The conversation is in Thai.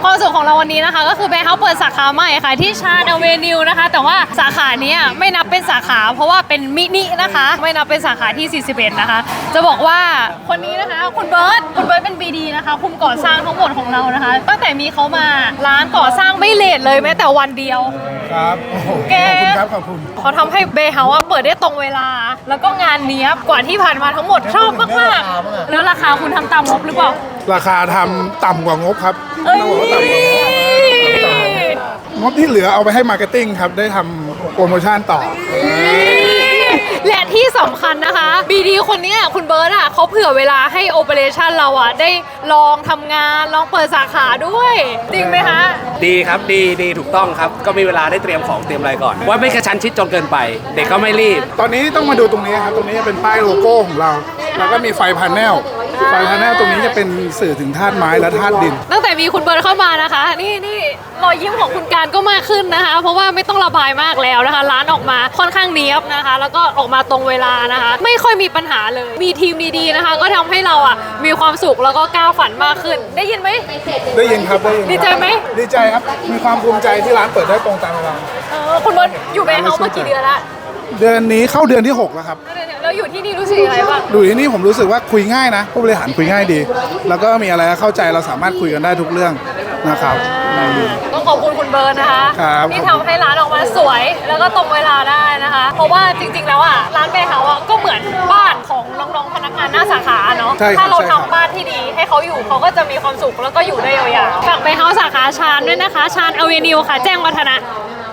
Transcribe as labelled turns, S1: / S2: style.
S1: ความสุขของเราวันนี้นะคะก็คือเบเฮาเปิดสาขาใหม่ค่ะที่ชาญอเวนิวนะคะแต่ว่าสาขานี้ไม่นับเป็นสาขาเพราะว่าเป็นมินินะคะไม่นับเป็นสาขาที่41นะคะจะบอกว่าคนนี้นะคะคุณเบิร์ตเป็น BD นะคะคุมก่อสร้างทั้งหมดของเรานะคะตั้งแต่มีเขามาร้านก่อสร้างไม่เลทเลยแม้แต่วันเดียว
S2: ครับขอบคุณครับขอบคุณ
S1: เขาทำให้เบเฮาเปิดได้ตรงเวลาแล้วก็งานเนี้ยบกว่าที่ผ่านมาทั้งหมดชอบมากๆแล้วราคาคุณทำตามงบหรือเปล่า
S2: ราคาทำต่ำกว่างบครับต้องบอกว่าต่ำกว่างบที่เหลือเอาไปให้มาร์เก็ตติ้งครับได้ทำโปรโมชั่นต่อ
S1: และที่สำคัญนะคะ BD คนนี้คุณเบิร์ตเขาเผื่อเวลาให้โอเปอเรชั่นเราได้ลองทำงานลองเปิดสาขาด้วยจริงไหมคะ
S3: ดีครับดีถูกต้องครับก็มีเวลาได้เตรียมของเตรียมอะไรก่อนว่าไม่กระชั้นชิดจนเกินไปเด็กก็ไม่รีบ
S2: ตอนนี้ต้องมาดูตรงนี้ครับตรงนี้เป็นป้ายโลโก้ของเราแล้วก็มีไฟพาเนลตรงนี้จะเป็นสื่อถึงธาตุไม้และธาตุดิน
S1: ตั้งแต่มีคุณเบิร์ตเข้ามานะคะนี่รอยยิ้มของคุณการก็มากขึ้นนะคะเพราะว่าไม่ต้องระบายมากแล้วนะคะร้านออกมาค่อนข้างเนียบนะคะแล้วก็ออกมาตรงเวลานะคะไม่ค่อยมีปัญหาเลยมีทีมดีๆนะคะก็ทำให้เรามีความสุขแล้วก็ก้าวฝันมากขึ้นได้ยินไหม
S2: ได้ยินครับได้ยิน
S1: ดีใจไหม
S2: ดีใจครับมีความภูมิใจที่ร้านเปิดได้ตรงตามเวลา
S1: คุณเบิร์ตอยู่เบเฮาส์มากี่เดือนละ
S2: เดือนนี้เข้าเดือนที่6แล้วครับ
S1: แล้วอยู่ที่นี่รู้สึกอะไรบ้าง
S2: อยู่ที่นี่ผมรู้สึกว่าคุยง่ายนะผู้บริหารคุยง่ายดีแล้วก็มีอะไรเข้าใจเราสามารถคุยกันได้ทุกเรื่องนะครับ
S1: ต้องขอบคุณคุณเบิร์ตนะคะที่ทำให้ร้านออกมาสวยแล้วก็ตรงเวลาได้นะคะเพราะว่าจริงๆแล้วร้านเบเฮาส์ก็เหมือนบ้านของน้องๆพนักงานหน้าสาขาเนาะถ้าเราทำบ้านที่ดีให้เขาอยู่เขาก็จะมีความสุขแล้วก็อยู่ได้ยาวๆฝากเบเฮาส์สาขาชาญด้วยนะคะชาญอเวนิวค่ะแจ้งวัฒนะ